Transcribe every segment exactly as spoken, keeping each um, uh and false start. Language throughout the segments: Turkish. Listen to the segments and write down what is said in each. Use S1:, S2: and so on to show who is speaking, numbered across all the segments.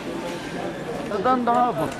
S1: Buradan daha bu.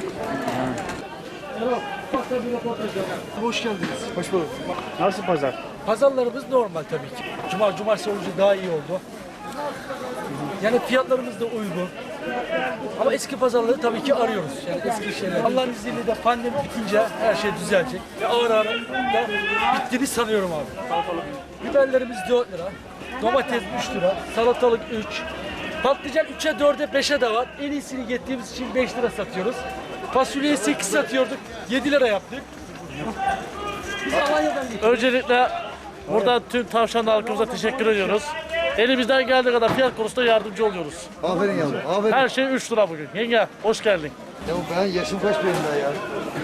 S2: Hoş geldiniz.
S3: Hoş bulduk. Nasıl pazar?
S2: Pazarlarımız normal tabii ki. Cuma, cumartesi olunca daha iyi oldu. Yani fiyatlarımız da uygun. Ama eski pazarları tabii ki arıyoruz. Yani eski şeyler. Allah'ın izniyle de pandemi bitince her şey düzelecek. Ve ağır ağır da bittiğini sanıyorum abi. Biberlerimiz dört lira. Domates üç lira. Salatalık üç. Patlıcan üçe dörde beşe de var. En iyisini getirdiğimiz için beş lira satıyoruz. Fasulyeyi sekiz satıyorduk. yedi lira yaptık. Biz Alanya'dan getirdik.
S3: Öncelikle buradan tüm tavşan halkımıza teşekkür ediyoruz. Elimizden geldiği kadar fiyat konusunda yardımcı oluyoruz.
S4: Aferin yavrum, aferin.
S3: Her şey üç lira bugün. Yenge hoş geldin.
S4: Ya ben yaşım kaç benim daha ya?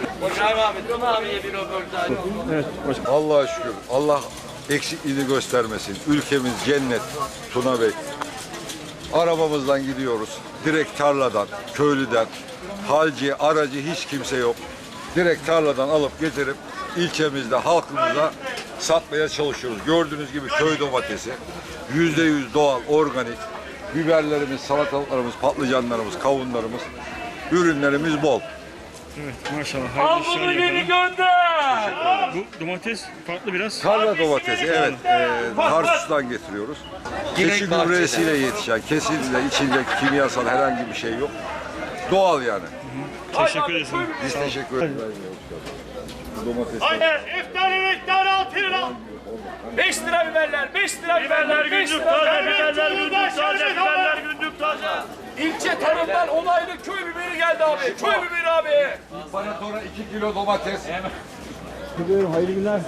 S3: Evet, hoş.
S5: Allah'a şükür. Allah eksikliğini göstermesin. Ülkemiz cennet. Tuna Bey. Arabamızdan gidiyoruz. Direkt tarladan, köylüden, halci, aracı hiç kimse yok. Direkt tarladan alıp getirip ilçemizde halkımıza satmaya çalışıyoruz. Gördüğünüz gibi köy domatesi. Yüzde yüz doğal, organik. Biberlerimiz, salatalıklarımız, patlıcanlarımız, kavunlarımız, ürünlerimiz bol.
S3: Evet, maşallah. Al bunu geri gönder. Bu domates farklı biraz.
S5: Tarla domatesi, evet. E, Tarsus'tan getiriyoruz. Keçi gübresiyle yetişen, kesinlikle içinde kimyasal herhangi bir şey yok. Doğal yani.
S3: Teşekkür ederiz.
S5: Biz teşekkür ederiz. Domates.
S6: Hayır, iftari miktarı altı lira. beş lira biberler, beş lira biberler, günlük taze, biberler günlük taze, biberler günlük taze.
S2: İlçe tarımdan onaylı köy biberi geldi abi. Köy biberi abi.
S5: İmparatora iki kilo domates.
S4: Biliyorum, hayırlı günler.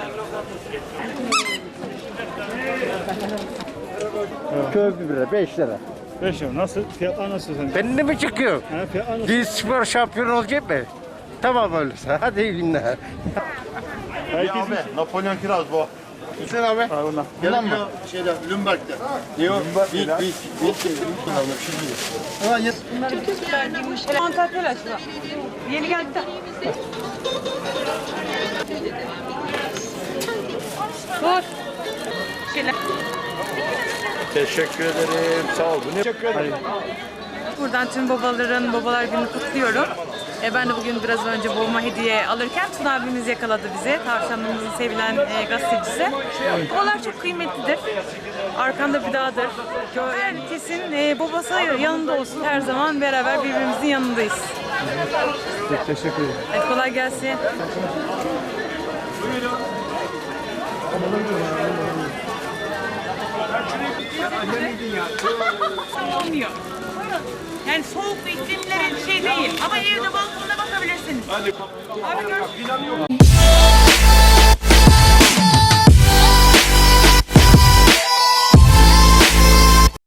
S4: Köy biberi beş lira.
S3: beş lira. Nasıl? Fiyatlar nasıl sence?
S4: Benimle mi çıkıyor?
S3: Ha, fiyatlar nasıl?
S4: Biz spor şampiyon olacak mı? Tamam öyleyse. Hadi iyi günler.
S3: Herkes
S7: Abi, Napolyon kiraz bu.
S4: Hüseyin abi.
S3: var bunlar.
S7: Bundan mı? Şeyde, Lümberg'de. Ne o? Bit, bit, bit.
S8: Çok güzel girmiş. Antakya açma. Yeni geldi de. Dur. Şeyler.
S7: Teşekkür ederim. Sağ ol. Bu ne? Teşekkür ederim.
S8: Buradan tüm babaların babalar gününü kutluyorum. E, ben de bugün biraz önce babama hediye alırken Tuna abimiz yakaladı bizi. Tavşanımızın sevilen e, gazetecisi. Babalar çok kıymetlidir. Arkanda bir dağdır. Herkesin e, babası yanında olsun. Her zaman beraber birbirimizin yanındayız.
S3: Teşekkür ederim.
S8: Hadi kolay gelsin. Olmuyor. Yani soğuk iklimlerin şey değil ama evde balkonda bakabilirsiniz. Hadi. Abi görüşürüz.